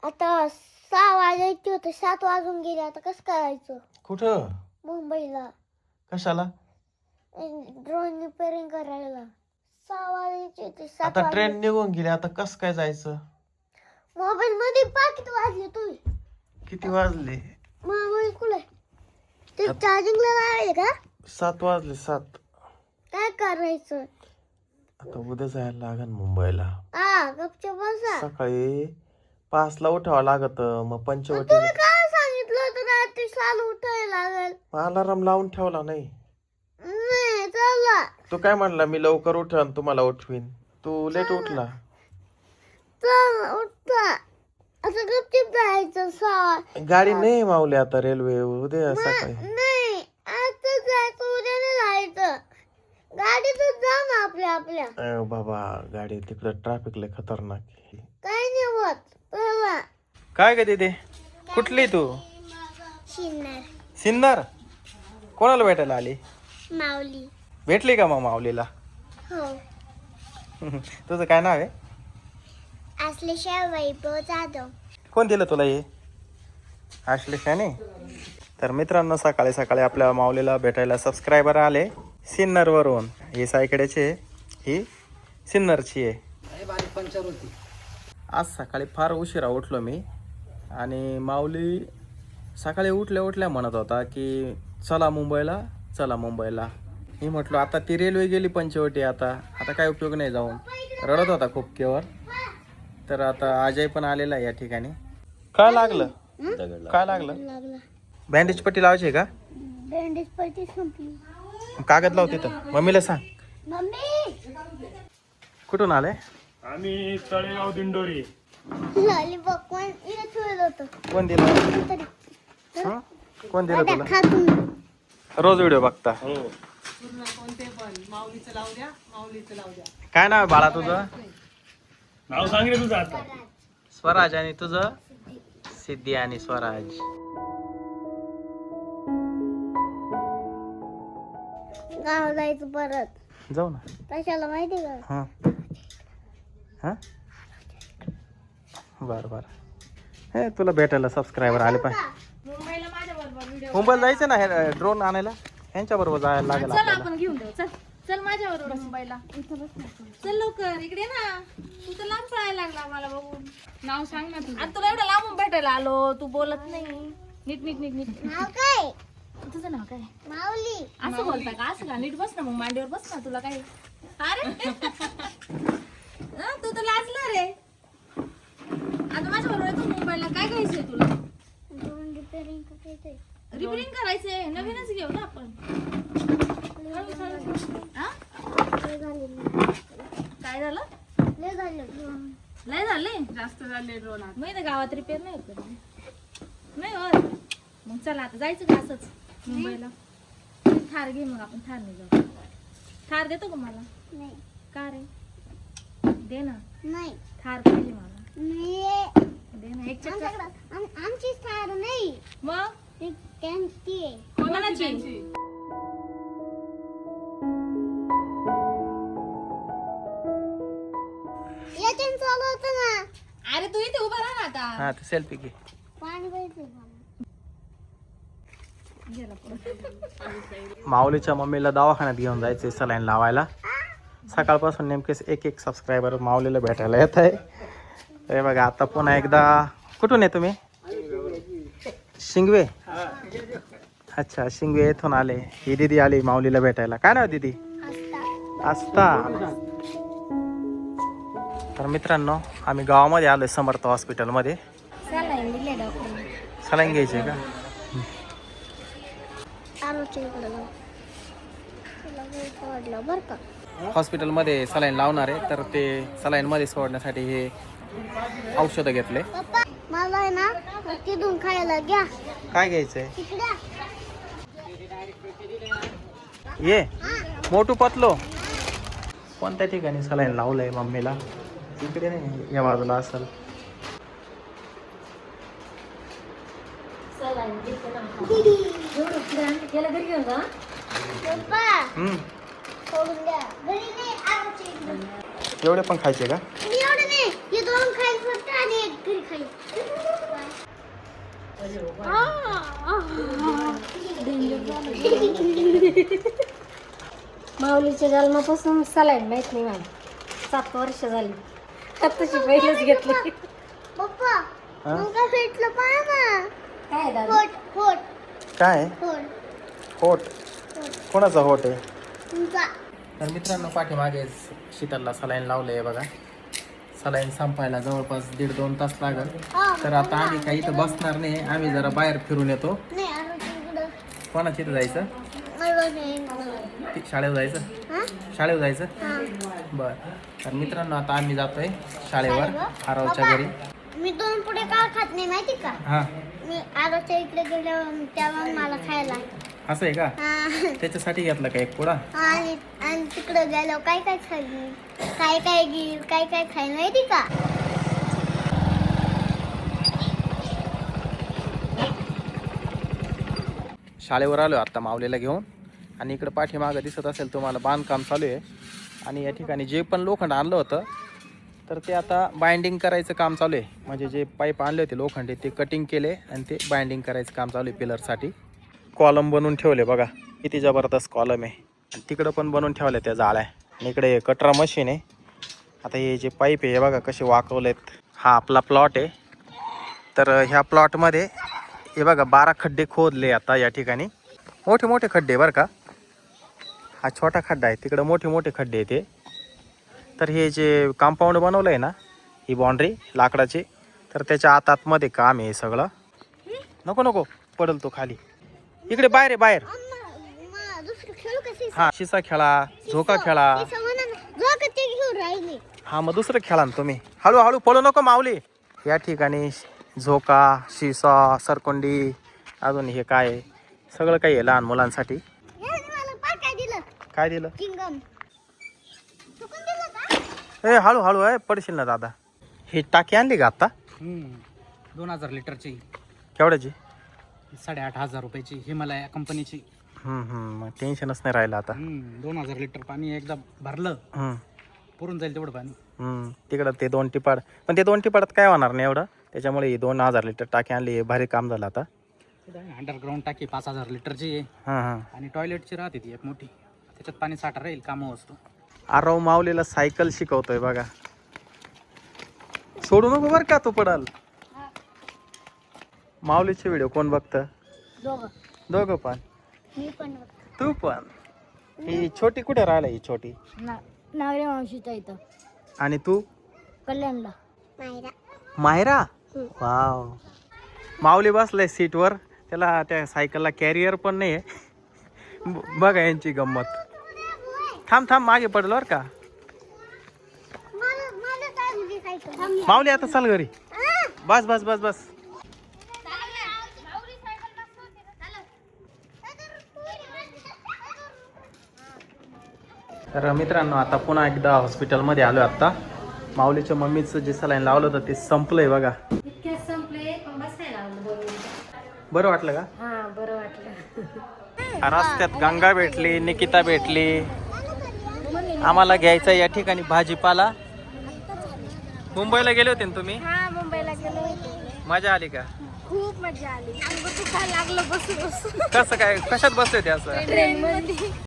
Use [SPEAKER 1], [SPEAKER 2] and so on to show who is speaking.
[SPEAKER 1] आता 6 वाजायचे होते, 7 वाजून गेले. आता कसं करायचं?
[SPEAKER 2] कुठं?
[SPEAKER 1] मुंबईला
[SPEAKER 2] कशाला?
[SPEAKER 1] ड्रोन रिपेअरिंग करायला. 6 वाजायचे होते, 7
[SPEAKER 2] आता
[SPEAKER 1] वाजले.
[SPEAKER 2] ट्रेन निघून गेली, आता कस काय जायचं?
[SPEAKER 1] मोबाईल मध्ये पाकिट वाजले तुम्ही.
[SPEAKER 2] किती वाजले?
[SPEAKER 1] मोबाईल कुठे? ते चार्जिंगला लावले का?
[SPEAKER 2] 7 वाजले 7.
[SPEAKER 1] काय करायचं?
[SPEAKER 2] आता उद्या जायला लागन मुंबईला.
[SPEAKER 1] गपचूप बसा.
[SPEAKER 2] सकाळी 5 ला उठावं लागत. मग पंचवटी
[SPEAKER 1] तुम्ही काय सांगितलं होतं रात्री 6 ला उठायला लागेल?
[SPEAKER 2] अलाराम लावून ठेवला नाही.
[SPEAKER 1] नाही चला.
[SPEAKER 2] तू काय म्हणला मी लवकर उठन तुम्हाला उठवीन. तू लेट उठला.
[SPEAKER 1] चल उठा. आता गपचूप जायचं 6.
[SPEAKER 2] गाडी नाही मावली आता रेल्वे उद्या सकाळी.
[SPEAKER 1] नाही आता जायचं, उद्या नाही जायचं. गाडीतच जा ना आपल्या.
[SPEAKER 2] बाबा गाडी तिकडे ट्रॅफिक लय खतरनाक आहे.
[SPEAKER 1] काय नाही होत. चला.
[SPEAKER 2] काय ग दीदी? कुठली तू?
[SPEAKER 1] शिन्नर.
[SPEAKER 2] सिन्नर? कोणाला भेटायला आली?
[SPEAKER 1] माऊली.
[SPEAKER 2] भेटली का मग माऊलीला?
[SPEAKER 1] हो.
[SPEAKER 2] तुझं काय नाव आहे?
[SPEAKER 1] असल्याशिवाय वैभव जाधव.
[SPEAKER 2] कोण दिलं तुला हे? आश्लेषाने. तर मित्रांनो सकाळी सकाळी आपल्या माऊलीला भेटायला सबस्क्रायबर आले सिन्नरवरून. ही सायकड्याची ही सिन्नरची आहे. आज सकाळी फार उशिरा उठलो मी आणि माऊली सकाळी उठल्या म्हणत होता की चला मुंबईला चला मुंबईला. मी म्हटलो आता ती रेल्वे गेली पंचवटी, आता काय उपयोग नाही जाऊन. रडत होता खूप केवर. तर आता अजय पण आलेला आहे या ठिकाणी. काय लागलं? काय लागलं? बँडेज पट्टी लावायची का?
[SPEAKER 1] बँडेज पट्टी संपली.
[SPEAKER 2] कागद लाव तिथं. मम्मीला सांग.
[SPEAKER 1] मम्मी
[SPEAKER 2] कुठून आले?
[SPEAKER 3] आम्ही तळेगाव दिंडोरी.
[SPEAKER 1] लॉलीपॉप कोण इथे ठेवलं होतं?
[SPEAKER 2] कोण दिलं?
[SPEAKER 1] तरी
[SPEAKER 2] हं? कोण दिलं तुला?
[SPEAKER 1] खा तुम्ही.
[SPEAKER 2] रोज व्हिडिओ बघता.
[SPEAKER 3] हो.
[SPEAKER 2] काय नाव आहे बाळा तुझं?
[SPEAKER 3] नाव सांग रे तुझं आता.
[SPEAKER 2] स्वराज. आणि तुझं? सिद्धी आणि स्वराज.
[SPEAKER 1] गाव जायचं परत.
[SPEAKER 2] जाऊ ना.
[SPEAKER 1] कशाला माहिती का?
[SPEAKER 2] हां हां बरं बरं. हे तुला भेटायला सबस्क्रायबर आले पाहिजे. मुंबईला जायचं ना हे ड्रोन आणायला. ह्यांच्या बरोबर जायला लागेल
[SPEAKER 4] चल
[SPEAKER 2] आपल्याला.
[SPEAKER 4] आपण घेऊन जाऊ. चल चल माझ्या बरोबर मुंबईला. चल लवकर इकडे ना. तू तर लांब पळायला लागला मला बघून. नाव सांग ना तुझं. आणि तुला एवढं लांबून भेटायला आलो, तू बोलत नाही. नीट नीट नीट नीट.
[SPEAKER 1] नाव काय?
[SPEAKER 4] तुझं नाव काय?
[SPEAKER 1] माऊली.
[SPEAKER 4] असं बोलता का? असं का? नीट बस ना मग, मांडीवर बस ना. तुला काय अरे तू तर लाजला रे. आता माझ्या बरोबर तू मुंबईला काय घ्यायचंय तुला?
[SPEAKER 1] ड्रोन रिपेअरिंग करायचंय.
[SPEAKER 4] रिपेअरिंग करायचंय. नवीनच घेऊ ना आपण. हा?
[SPEAKER 1] लय झाले.
[SPEAKER 4] काय झालं?
[SPEAKER 1] लय झाले ड्रोन.
[SPEAKER 4] लय झाले. जास्त झाले ड्रोन. माहिती गावात रिपेअर नाही होत कधी. नाही होत. मग चला आता जायचं का असंच मुंबईला? थार घे मग, आपण थार नाही जाऊ. थार देतो का मला?
[SPEAKER 1] नाही.
[SPEAKER 4] का रे? दे ना.
[SPEAKER 1] नाही.
[SPEAKER 4] थार पाहिजे मला.
[SPEAKER 1] नाही.
[SPEAKER 4] दे ना एक चक्कर.
[SPEAKER 1] आमच्याकडं आमची थार नाही.
[SPEAKER 4] मग
[SPEAKER 1] ती त्यांची आहे.
[SPEAKER 4] कोणाची?
[SPEAKER 1] याच्यानं चालवतं ना.
[SPEAKER 4] अरे तू इथे उभा राहा ना आता.
[SPEAKER 2] हा ते सेल्फी घे.
[SPEAKER 1] पाणी पाहिजे.
[SPEAKER 4] गेला पुढं.
[SPEAKER 2] माऊलीच्या मम्मीला दवाखान्यात घेऊन जायचे सलाईन लावायला. सकाळपासून नेमकेच एक सबस्क्रायबर माऊलीला भेटायला येत आहे. हे बघा आता पुन्हा एकदा. कुठून आहे तुम्ही? शिंगवे. अच्छा शिंगवे येथून आले. ही दीदी आली माऊलीला भेटायला. काय नाव दीदी? आस्था. तर मित्रांनो आम्ही गावामध्ये आलोय समर्थ हॉस्पिटलमध्ये.
[SPEAKER 1] सलाईन दिले डॉक्टर.
[SPEAKER 2] सलाईन घ्यायची आहे का?
[SPEAKER 1] आरोच्या इकडे जाऊ. तुला काही सोडलं बरं का?
[SPEAKER 2] हॉस्पिटलमध्ये सलाईन लावणार आहे. तर ते सलाईनमध्ये सोडण्यासाठी हे औषधं घेतले.
[SPEAKER 1] पप्पा मला आहे ना तिथून खायला घ्या.
[SPEAKER 2] काय घ्यायचंय?
[SPEAKER 1] तिकडे.
[SPEAKER 2] ये मोठू पतलो. कोणत्या ठिकाणी सलाईन लावलंय मम्मीला? इकडे नाही, या बाजूला असेल.
[SPEAKER 1] पप्पा
[SPEAKER 2] हम्म.
[SPEAKER 1] सोडून द्या. घरी नाही आरोच्या इकडे.
[SPEAKER 2] एवढे पण खायचे का?
[SPEAKER 1] एवढं नाही. हे दोन खायचं फक्त आणि एक घरी खाली.
[SPEAKER 5] माऊलीच्या जन्मापासून सलाईन माहित नाही मला. 7 वर्ष झाली. आताशी पहिलंच घेतलं.
[SPEAKER 1] पप्पा मग काय भेटलं पाहा ना.
[SPEAKER 5] काय दादा?
[SPEAKER 1] होट होट
[SPEAKER 2] काय
[SPEAKER 1] होट
[SPEAKER 2] होट कोणाचा होट आहे?
[SPEAKER 1] तुमचा.
[SPEAKER 2] तर मित्रांनो पाठीमागे शीतलला सलाईन लावलंय बघा. सलाईन संपायला जवळपास 1.5-2 तास लागल. तर आता आम्ही काही इथं बसणार नाही, आम्ही जरा बाहेर फिरून येतो.
[SPEAKER 1] नाही आलो तिकडं.
[SPEAKER 2] कोणाच्या इथं जायचं?
[SPEAKER 1] आलो नाही.
[SPEAKER 2] शाळेवर जायचं?
[SPEAKER 1] हा?
[SPEAKER 2] शाळेवर जायचं?
[SPEAKER 1] हा.
[SPEAKER 2] बर. तर मित्रांनो आता आम्ही जातोय शाळेवर आरवच्या घरी.
[SPEAKER 1] मी 2 पुढे का खात नाही माहिती का?
[SPEAKER 2] हा
[SPEAKER 1] मी आरोच्या इकडे गेल्यावर तेव्हा मला खायला.
[SPEAKER 2] असं आहे का?
[SPEAKER 1] हा.
[SPEAKER 2] त्याच्यासाठी घेतला का एक पुडा?
[SPEAKER 1] आणि आणि तिकडे गेल्यावर काय काय खाईल, काय काय घेईल, काय काय खाईल माहिती का?
[SPEAKER 2] शाळेवर आलो आता माऊलीला घेऊन. आणि इकडं पाठीमागं दिसत असेल तुम्हाला बांधकाम चालू आहे. आणि या ठिकाणी जे पण लोखंड आणलं होतं तर ते आता बाइंडिंग करायचं काम चालू आहे. म्हणजे जे पाईप आणले होते लोखंडी ते कटिंग केले आणि ते बाइंडिंग करायचं काम चालू आहे पिलरसाठी. कॉलम बनवून ठेवले बघा, किती जबरदस्त कॉलम आहे. आणि तिकडं पण बनवून ठेवल्या त्या जाळ्या. आणि इकडे कटरा मशीन आहे. आता हे जे पाईप आहे हे बघा कसे वाकवलेत. हा आपला प्लॉट आहे. तर ह्या प्लॉटमध्ये हे बघा 12 खड्डे खोदले आता या ठिकाणी. मोठे मोठे खड्डे बरं का. हा छोटा खड्डा आहे, तिकडं मोठे मोठे खड्डे आहे ते. तर हे जे कंपाऊंड बनवलं आहे ना, ही बाउंड्री लाकडाची, तर त्याच्या आतमध्ये काम आहे सगळं. नको नको पडल तो खाली. इकडे बाहेर आहे बाहेर.
[SPEAKER 1] दुसरं खेळू कसे?
[SPEAKER 2] हा शिसा खेळा, झोका खेळा.
[SPEAKER 1] झोका ते घेऊन राहिले.
[SPEAKER 2] हा मग दुसरं खेळा ना तुम्ही. हळूहळू पळू नको माऊली. या ठिकाणी झोका, शिसा, सरकोंडी, अजून हे काय आहे, सगळं काही आहे लहान मुलांसाठी.
[SPEAKER 1] मला पाय काय दिलं?
[SPEAKER 2] काय दिलं?
[SPEAKER 1] चिंगम. चुकून दिलं का?
[SPEAKER 2] ए हळू हळू आहे, पडशील ना दादा. ही टाकी आणली का आता?
[SPEAKER 6] 2000 लिटरची,
[SPEAKER 2] केवढ्याची?
[SPEAKER 6] 8,500 रुपयाची, हिमालया कंपनीची.
[SPEAKER 2] मग टेन्शनच नाही राहिलं आता.
[SPEAKER 6] 2000 लिटर पाणी एकदा भरलं पुरून जाईल तेवढं पाणी.
[SPEAKER 2] तिकडं ते 2 टिपाड, पण ते 2 टिपाडात काय होणार नाही एवढं. त्याच्यामुळे ही 2000 लिटर टाकी आणली, हे भारी काम झालं आता.
[SPEAKER 6] अंडरग्राऊंड टाकी 5000 लिटरची आहे.
[SPEAKER 2] हां
[SPEAKER 6] आणि टॉयलेटची राहते ती एक मोठी, त्याच्यात पाणी साठा राहील, कामं असतो.
[SPEAKER 2] आरव माऊलीला सायकल शिकवतोय बघा. सोडू नको बरं का, तो पडाल. माऊलीचे व्हिडिओ कोण बघतं? दोघं पण.
[SPEAKER 1] मी पण
[SPEAKER 2] तू पण. ही छोटी कुठे राहिला? ही छोटी
[SPEAKER 5] नावरे मावशीच्या इथं.
[SPEAKER 2] आणि तू?
[SPEAKER 5] कल्याणला.
[SPEAKER 1] मायरा.
[SPEAKER 2] मायरा. वाव. माऊली बसलाय सीटवर, त्याला त्या सायकलला कॅरियर पण नाही आहे. बघा यांची गंमत. थांब थांब मागे पडलो बरं का.
[SPEAKER 1] मला काय म्हणजे काय?
[SPEAKER 2] माऊली आता चाल घरी. बस बस बस बस. तर मित्रांनो आता पुन्हा एकदा हॉस्पिटलमध्ये आलो. आता माऊलीच्या मम्मीचं जे सलाईन लावलं होतं ते संपलंय बघा.
[SPEAKER 5] इतक्यात संपले, पण बसायला लागलं.
[SPEAKER 2] बरं वाटलं का?
[SPEAKER 5] हा बरं वाटलं.
[SPEAKER 2] रस्त्यात गंगा भेटली, निकिता भेटली. आम्हाला घ्यायचा या ठिकाणी भाजीपाला. मुंबईला गेले होते ना तुम्ही?
[SPEAKER 1] हा मुंबईला गेलो होतो.
[SPEAKER 2] मजा आली का?
[SPEAKER 1] खूप मजा आली. अंग दुखायला लागलं बसून बसून.
[SPEAKER 2] कसं काय, कशात बसले होते असं?
[SPEAKER 1] ट्रेन मध्ये.